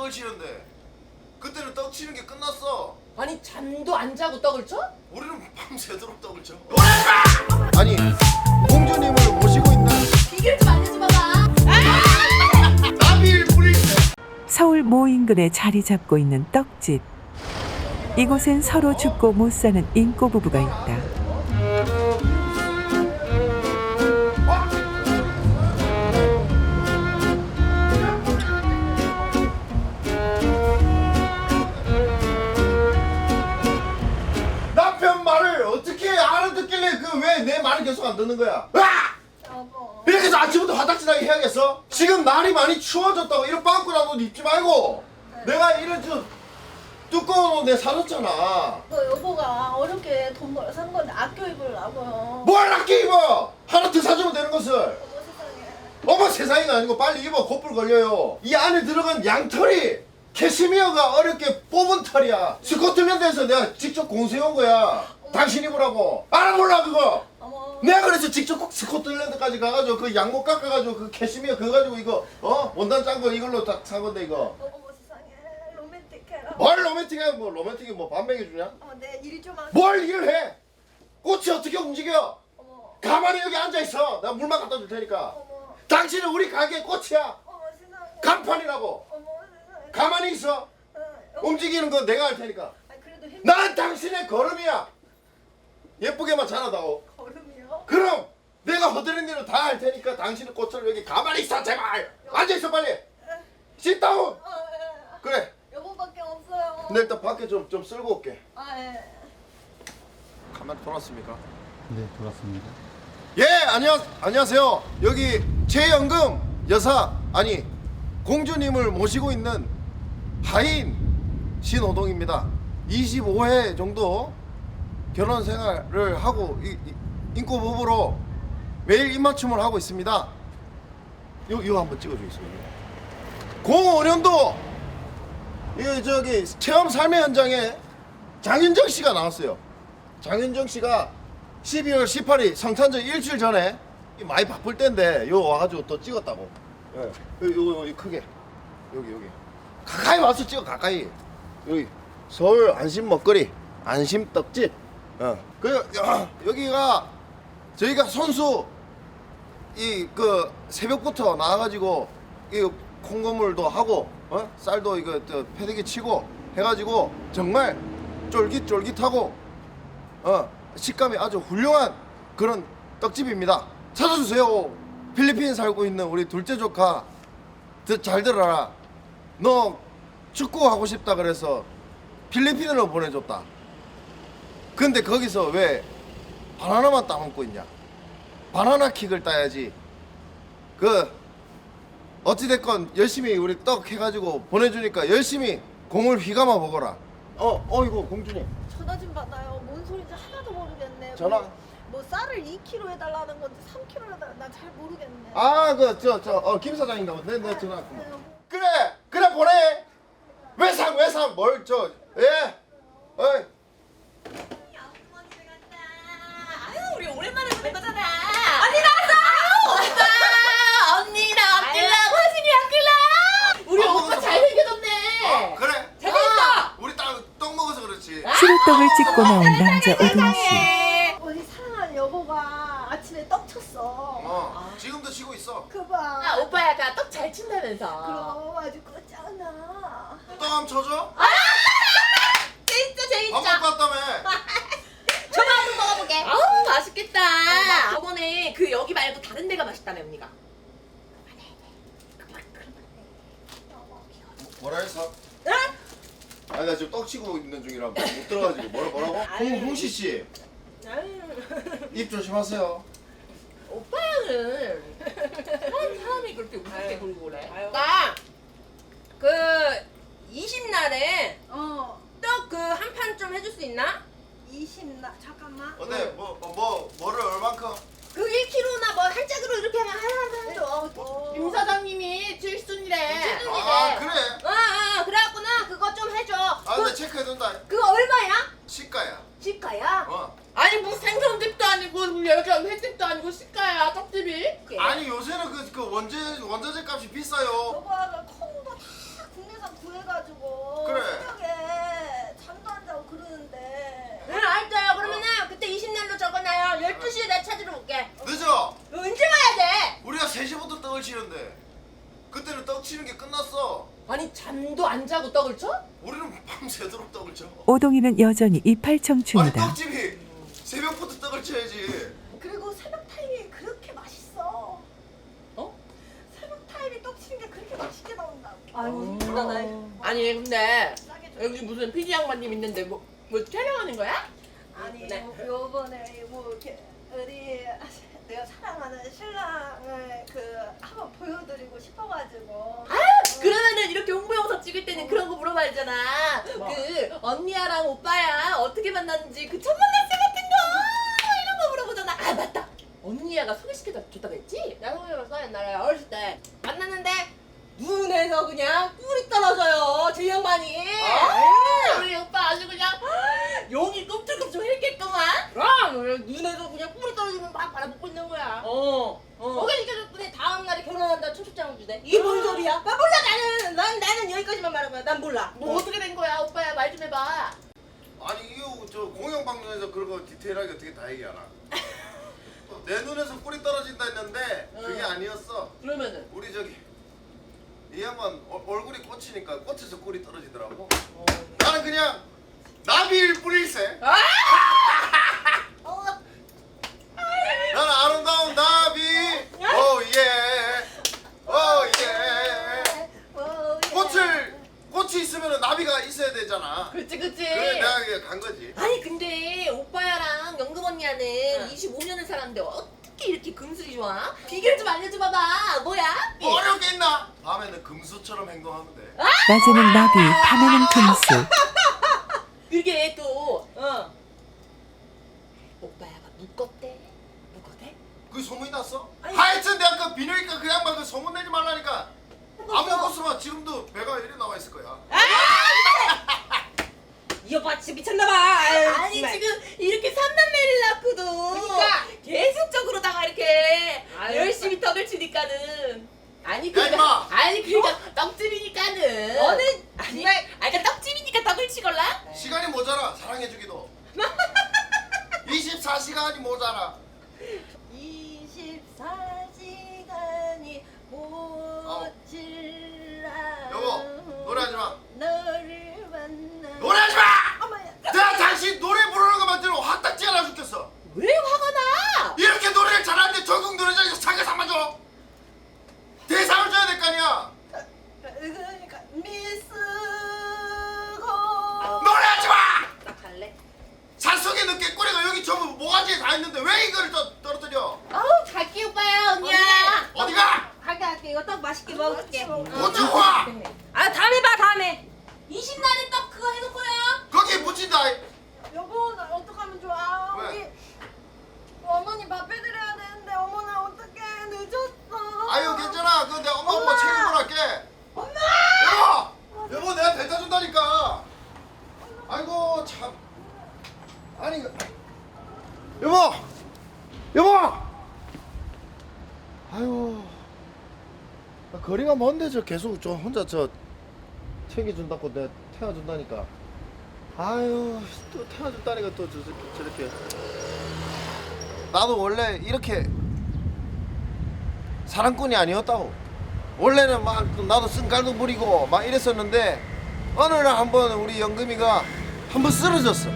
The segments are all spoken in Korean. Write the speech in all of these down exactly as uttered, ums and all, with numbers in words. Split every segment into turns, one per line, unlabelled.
떡을 치는데 그때는 떡 치는 게 끝났어.
아니 잠도 안 자고 떡을 쳐?
우리는 밤새도록 떡을 쳐. 아니 공주님을 모시고 있는
비결 좀 알려줘봐봐.
나빌 프린스.
서울 모 인근에 자리 잡고 있는 떡집. 이곳엔 서로 죽고 못 사는 인꼬 부부가 있다.
남편 말을 어떻게 알아듣길래 그 왜 내 말을 계속 안 듣는 거야? 아! 이렇게 해서 아침부터 화딱지나게 해야겠어? 지금 날이 많이 추워졌다고 이런 빵꾸난 옷 입지 말고 내가 이런 저 두꺼운 옷 내 사줬잖아.
그 여보가 어렵게 돈 벌어 산 건데 아껴 입으려고요.
뭘 아껴 입어? 하나 더 사주면 되는 것을.
어머 세상에.
어머 세상이가 아니고 빨리 입어. 곧불 걸려요. 이 안에 들어간 양털이 캐시미어가 어렵게 뽑은 털이야. 스코틀랜드에서 내가 직접 공수해온 거야. 당신 입으라고. 알아 몰라 그거?
어머.
내가 그래서 직접 꼭 스코틀랜드까지 가가지고 그 양목 깎아가지고 그 캐시미어 그거 가지고 이거 어? 원단 짠 거 이걸로 딱 산 건데 이거.
어머 세상에. 로맨틱해라.
뭘 로맨틱해? 뭐 로맨틱이 뭐 밥 먹여주냐?
어머 내 일 좀 하게.
뭘 일을 해? 꽃이 어떻게 움직여?
어머.
가만히 여기 앉아있어. 내가 물만 갖다 줄 테니까.
어머.
당신은 우리 가게 꽃이야.
어머 세상에.
간판이라고.
어머 세상에.
가만히 있어.
어, 어머.
움직이는 건 내가 할 테니까.
아 그래도 힘.
난 당신의 걸음이야. 예쁘게만 자라다오.
걸음이요?
그럼 내가 허드렛 일을 다 할 테니까 당신의 꽃을 여기 가만히 있어 제발. 앉아있어 빨리. sit-down.
어, 예.
그래.
여보밖에 없어요.
내 일단 밖에 좀, 좀 쓸고 올게.
아 예.
가만히 돌았습니까?
네, 돌았습니다.
예, 안녕, 안녕하세요. 여기 최연금 여사, 아니 공주님을 모시고 있는 하인 신호동입니다. 이십오 회 정도 결혼 생활을 하고 이, 이, 인꼬 부부로 매일 입맞춤을 하고 있습니다. 요, 이거 한번 찍어주겠습니다. 공오 년도 이 저기 체험 삶의 현장에 장윤정 씨가 나왔어요. 장윤정 씨가 십이월 십팔일 성탄절 일주일 전에 많이 바쁠 때인데 요 와가지고 또 찍었다고. 예, 요, 요, 요 크게 여기 여기 가까이 와서 찍어 가까이. 여기 서울 안심 먹거리 안심 떡집. 어, 그 야, 여기가 저희가 손수 이 그 새벽부터 나와가지고 이 콩고물도 하고 어? 쌀도 이거 저 패대기 치고 해가지고 정말 쫄깃쫄깃하고 어 식감이 아주 훌륭한 그런 떡집입니다. 찾아주세요. 필리핀 살고 있는 우리 둘째 조카 드, 잘 들어라. 너 축구 하고 싶다 그래서 필리핀으로 보내줬다. 근데 거기서 왜 바나나만 따먹고 있냐? 바나나 킥을 따야지. 그 어찌됐건 열심히 우리 떡 해가지고 보내주니까 열심히 공을 휘감아 보거라. 어, 어이구 공주님.
전화 좀 받아요. 뭔 소리인지 하나도 모르겠네.
전화?
뭐, 뭐 쌀을 이 킬로그램 해달라는 건지 삼 킬로그램 해달라는 나 잘 모르겠네.
아, 그 저 저 어 김 사장인가 보네. 내 전화.
네,
그래, 그래 보내. 외상 외상 뭘 저 예. 어이.
아유 우리 오랜만에 보는 거잖아. 언니 나왔어. 오빠 언니 나 아끼려고 하시니 아끼려. 우리
아,
오빠
먹었어.
잘생겨졌네.
어, 그래.
잘생겼어.
우리 딸 떡 먹어서 그렇지.
수루떡을 찍고 나온 남자 오동 씨.
세상에.
우리 사랑하는 여보가 아침에 떡 쳤어.
어, 지금도 치고 있어.
그 봐.
아 오빠야 나 떡 잘 친다면서.
그럼 아주 끝장나.
떡 한번 쳐줘.
진짜
밥
재밌죠.
먹고 왔다며.
저거 한번 먹어보게. 아우 맛있겠다. 저번에 그 여기 말고 다른 데가 맛있다며 언니가.
뭐라 했어?
응?
아니 나 지금 떡 치고 있는 중이라 못 들어가지고 뭐라 뭐라고? 홍 홍시 씨. 입 조심하세요.
오빠는 사람, 사람이 그렇게 우습게 굴고 그래. 나 그 이십 날에
어.
떡 그 한 판 좀 해줄 수 있나?
이십 나 잠깐만.
어때? 뭐, 뭐, 뭐 뭐를 얼만큼?
그 일 킬로그램나 뭐 한 짝으로 이렇게 하면 하나 줘.
어.
임 사장님이 칠순이래. 칠순이래.
아 그래?
어, 어, 그래갖구나 그거 좀 해줘.
아
그,
나 체크해둔다.
그거 얼마야?
시가야.
시가야?
어.
아니 무슨 생선집도 아니고 요즘 횟집도 아니고 시가야 떡집이?
아니 요새는 그, 그 원재 원자재 값이 비싸요.
여보가 콩도 다 국내산 구해서
끝났어.
아니 잠도 안 자고 떡을 쳐?
우리는 밤새도록 떡을 쳐.
오동이는 여전히
아니
이팔청춘이다.
떡집이 새벽부터 떡을 쳐야지.
그리고 새벽 타임이 그렇게 맛있어.
어?
새벽 타임이 떡치는 게 그렇게 맛있게 나온다고. 아유
음.
불안해.
아니 근데
싸게 줘.
여기 무슨 피디 양반님 있는데 뭐, 뭐 촬영하는 거야?
아니
네.
요- 요번에 뭐 이렇게 우리 내가 사랑하는 신랑을 그 한번 보여드리고 싶어가지고.
그러면은 이렇게 홍보 영상 찍을 때는 그런 거 물어봐야 되잖아.
뭐?
그 언니야랑 오빠야 어떻게 만났는지 그 첫 만났을 같은 거 이런 거 물어보잖아. 아 맞다. 언니야가 소개시켜 줬다고 했지? 내가 소개해줬어 옛날에 어렸을 때 만났는데 눈에서 그냥 꿀이 떨어져요. 제 양반이. 아, 우리 오빠 아주 그냥 용이 꿈틀꿈틀 했겠구만. 그럼 눈에서 그냥 꿀이 떨어지면 막 바라보고 있는 거야. 어. 어. 소개시켜줬더니 다음날에 결혼한다 초첩장을 주대. 이게 뭔 소리야? 나 몰라 나는. 난 나는 여기까지만 말한 거야. 난 몰라. 뭐 어떻게 된 거야 오빠야 말 좀 해봐.
아니 이거 저 공영방송에서 그런 거 디테일하게 어떻게 다 얘기하나? 내 눈에서 꿀이 떨어진다 했는데 그게
응.
아니었어.
그러면은
우리 저기 이 양반 어- 얼굴이 꽂히니까 꽃에서 꿀이 떨어지더라고.
어.
나는 그냥 나비일 뿐일세.
어,
나는 아름다운 나비. 오예. 오예.
어, 예.
꽃을 꽃이 있으면 나비가 있어야 되잖아.
그치 그치.
그래 내가 그냥 간 거지.
아니 근데 오빠야랑 영금 언니야는
응.
이십오 년을 살았는데 어떻게 이렇게 금슬이 좋아? 비결 좀 알려줘 봐봐. 뭐야?
뭐 어려운 게 있나? 밤에는 금수처럼 행동하면 돼.
낮에는 나비, 밤에는 금수.
그게 또 어. 오빠야가 묶었대. 묶었대?
그 소문이 났어?
아니.
하여튼 내가 그 비뇨기과 그 양반 그 소문 내지 말라니까. 안 먹었으면 지금도 배가 이리 나와 있을 거야.
이 오빠 진짜 미쳤나봐. 아니 지금 이렇게 삼남매를 낳고도
그러니까.
계속적으로다가 이렇게
아유,
열심히 떡을 치니까는 아니
야,
그러니까
임마.
아니 그러니까 떡집이니까는
너는
아니 아니 그러니까 떡집이니까 떡을 치걸라?
시간이 모자라 사랑해주기도. 이십사 시간이 모자라.
이십사 시간이 모질라.
여보 노래하지 마.
너를 만나.
노래하지 마.
어머야.
내가 당신 노래 부르는 것만 들으면 화딱지가 나 죽겠어.
왜 화가 나?
이렇게 노래를 잘하는데 전국 노래장에서 상을 줘. 대상을 줘야 될 거 아니야.
그러니까 미스고.
노래하지 마.
나 갈래.
산속에 늦게 꼬리가 여기 전부 모가지에 다 있는데 왜 이걸 또 떨어뜨려?
아우 갈게 오빠야 언니야.
어디가?
갈게 갈게 이거 떡 맛있게 먹을게.
어디 와?
아 다음에 봐 다음에. 이십 날에 떡 그거 해놓고요.
거기에 묻힌다.
여보 나 어떡하면 좋아?
왜?
우리 어머니 밥 해드려야 되는데 어머나 어떡해 늦었어.
아유 괜찮아. 그거 내가 엄마 엄마
엄마!
책임을 할게.
엄마!
여보, 여보 내가 데려다 준다니까. 아이고 참. 아니 그- 여보, 여보. 아유, 나 거리가 먼데 저 계속 저 혼자 저 챙겨준다고 내가 태워준다니까. 아유 또 태워준다니까 또 저, 저, 저렇게. 나도 원래 이렇게 사랑꾼이 아니었다고. 원래는 막 나도 쓴깔도 부리고 막 이랬었는데 어느 날 한번 우리 영금이가 한번 쓰러졌어.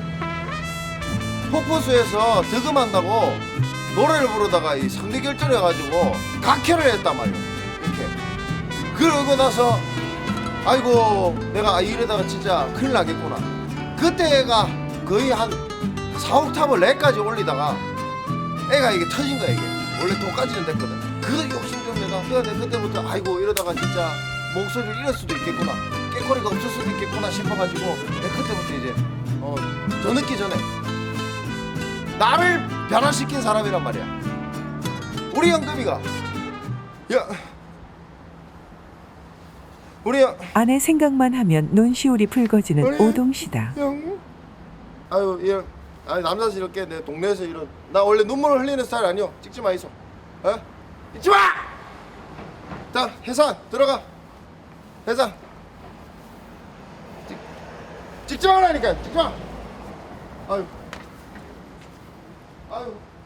폭포수에서 득음한다고 노래를 부르다가 이 상대 결절을 해가지고 각혈을 했단 말이야. 이렇게. 그러고 나서 아이고 내가 이러다가 진짜 큰일 나겠구나. 그때가 거의 한 사 옥탑을 내까지 올리다가 애가 이게 터진 거야. 이게 원래 도까지는 됐거든. 그 욕심 좀 내가 그때 그때부터 아이고 이러다가 진짜 목소리를 잃을 수도 있겠구나, 깨꼬리가 없을 수도 있겠구나 싶어가지고 내가 그때부터 이제 어, 더 늦기 전에 나를 변화시킨 사람이란 말이야. 우리 영금이가 야 우리 영
아내 생각만 하면 눈시울이 붉어지는
그래.
오동씨다.
영 아유 이런 아니 남자스럽게 내 동네에서 이런 나 원래 눈물을 흘리는 스타일 아니요. 찍지 마 있어. 어? 찍지 마. 자 해산 들어가. 해산. 찍 찍지 말라니까. 찍지 마. 아유 아유.